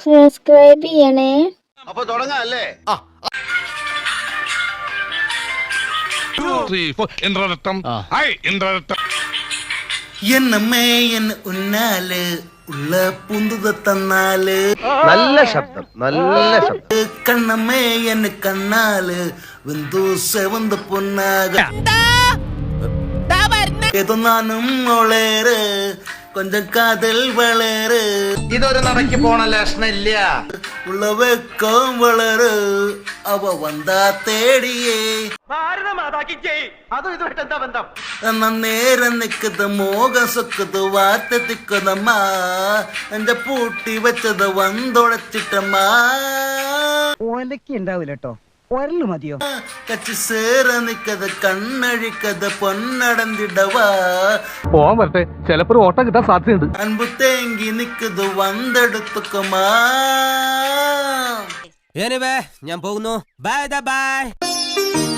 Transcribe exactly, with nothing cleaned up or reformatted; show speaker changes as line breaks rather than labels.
Subscribe ചെയ്യണേ.
അപ്പൊ തുടങ്ങാല്ലേ?
എന്നമ്മേ എന്ന് ഉന്നാല് ഉള്ള പൂന്തുത തന്നാല്
നല്ല ശബ്ദം, നല്ല ശബ്ദം.
കണ്ണമ്മേ എന്ന് കണ്ണാല് വെന്തു സെവന്ത് പൊന്നാക ഏതോ നാനും ഒളേറ് കൊഞ്ചം കാതൽ വളര്
ഇതൊരു നടക്കി പോണ ലക്ഷണില്ല.
ഉള്ള വെക്കം വളര് അവ വന്നാ തേടിയേ
അതും ഇതുമായിട്ട് എന്താ ബന്ധം?
എന്നാ നേരം നിക്കത് മോകം സൊക്കത് വാർത്ത തിക്കുന്നമ്മ എന്റെ പൂട്ടി വെച്ചത് വന്തൊടച്ചിട്ടമ്മ
ഓലക്ക് ഉണ്ടാവില്ല കേട്ടോ, ഒരല് മതിയോ?
കച്ചി സേറ നിക്കത് കണ്ണഴിക്കത് പൊന്നടന്തിടവാ
പോവാൻ വരട്ടെ, ചിലപ്പോ ഓട്ടം കിട്ടാൻ സാധ്യതയുണ്ട്.
അൻപു തേങ്കി നിക്കത് വന്തെടുത്തുക്കമാ.
ഞാൻ പോകുന്നു. Bye by.